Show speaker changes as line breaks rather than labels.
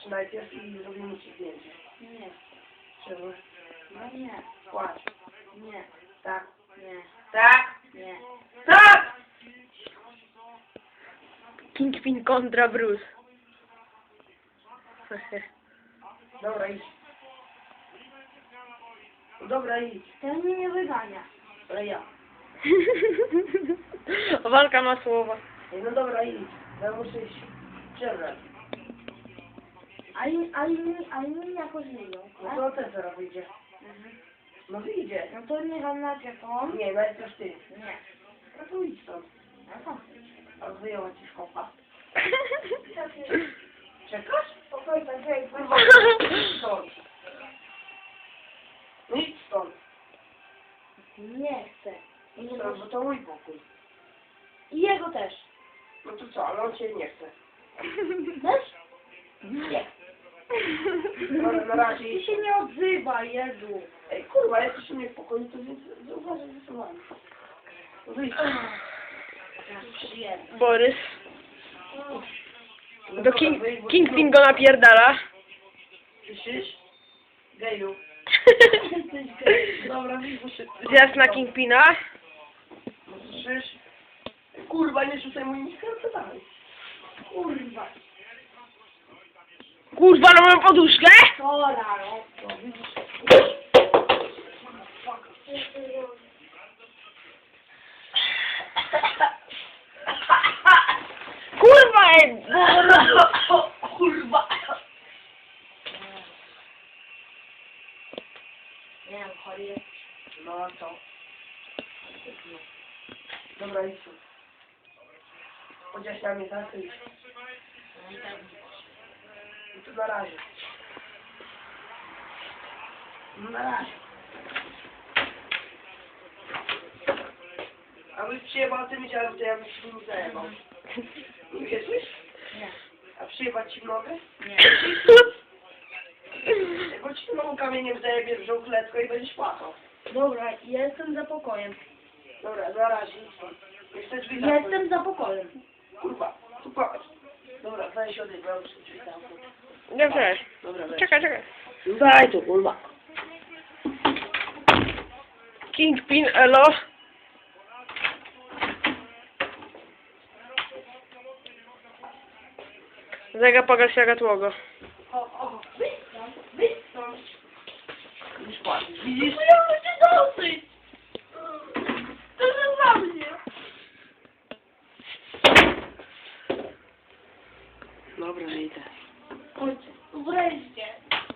najpierw i zrobimy ci zdjęcie.
Nie.
Czemu?
No nie.
Płacz.
Nie.
Tak.
Nie.
Tak!
Nie.
Tak!
Kingpin kontra Bruce.
Dobra, idź. Dobra, idź.
Ten mnie nie wygania.
Ale ja.
Walka ma słowa.
Ej, no dobra, idź. Ja muszę iść przebrać.
A inni jakoś wyjdą.
No to ten zaraz wyjdzie. No wyjdzie.
No to niech on najpierw on.
Nie, najpierw ty.
Nie.
No to idź stąd.
No co?
A wyjęła ci szkopa. Czekasz?
Spokojnie, hej,
Kurwa, idź stąd. No idź stąd.
Nie chcę.
Idź stąd, bo to mój pokój.
I jego też.
No to co, ale on cię nie chce.
Też?
Nie. Dobra, na razie
Ty
idź.
się nie odzywaj, Jezu.
Ej, kurwa, jesteś u mnie w pokoju, to więc zauważaj ze sobą. No wyjdź.
Przyjemnie.
Borys.
No
Do
dobra, wyjdź, bo-
Kingpin go napierdala.
Słyszysz? Geju. Dobra, wyjdź, bo się...
Zjazd na Kingpina.
No słyszysz? Kurwa, nie rzucaj mój mikrofon, co dalej?
Kurwa.
Kurwa, na moją poduszkę!
Chora, no.
No, widzisz?
Kurwa,
Kurwa!
Nie wiem, chory jest.
No a co? Dobra, idź tu. Chociaż na mnie tak, idź. I tu na razie. No na razie. A byś przyjebał tymi ciałem, to ja bym się nie zajebał. Nie wierzysz?
Nie.
A przyjebać ci w nogę?
Nie.
Bo ci nogą kamieniem zajebie w żółkletko i będziesz płakał.
Dobra, jestem za pokojem.
Dobra, na razie. Nie chcesz drzwi zamknąć?
Jestem za pokojem.
Kurwa, tu patrz. Dobra, daj się odejść, bo ja muszę drzwi zamknąć.
Dobrze.
Dobra, weź.
Czekaj, czekaj.
Daj tu, kurwa.
Kingpin, elo. Zega pogasiaga tłogo.
O, wyjdź stąd.
Widzisz, płacisz. Widzisz?
No ja muszę dosyć. To jest za mnie.
Dobra, idę.
Chodź, wreszcie.